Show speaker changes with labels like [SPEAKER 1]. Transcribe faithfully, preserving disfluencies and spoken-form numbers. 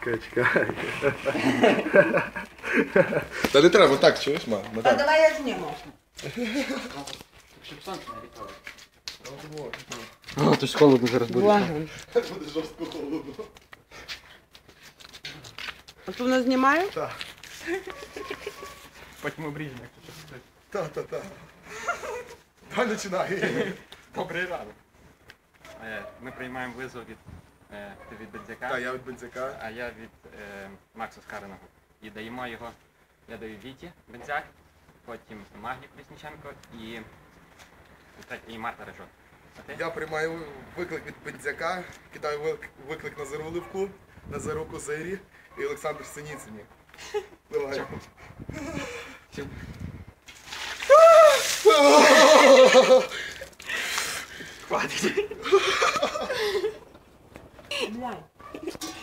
[SPEAKER 1] Чекай, чекай.
[SPEAKER 2] Та не треба, так, чуєш, ма?
[SPEAKER 3] Та давай я зніму.
[SPEAKER 4] Щоб сонце не рікало.
[SPEAKER 5] А, то ж холодно зараз буде.
[SPEAKER 3] Боже.
[SPEAKER 2] Буде жорстко холодно.
[SPEAKER 3] А тут нас знімають?
[SPEAKER 2] Так.
[SPEAKER 4] Потім обріжемо, якщо щось.
[SPEAKER 2] Так, так, так. Давай починай.
[SPEAKER 4] Добрий ранок. Е, Ми приймаємо визов від, е, ти від Бензяка,
[SPEAKER 2] Так, я від Бензяка.
[SPEAKER 4] а я від е, Макса Скареного. І даємо його, я даю Віті Бензяк, потім Магні Колісніченко і, і Марта Рижок. А ти?
[SPEAKER 2] Я приймаю виклик від Бензяка, кидаю вик- виклик на Заруливку, Назару Козирі і Олександру Синіцині. Давай.
[SPEAKER 4] Хватить.
[SPEAKER 3] Блядь.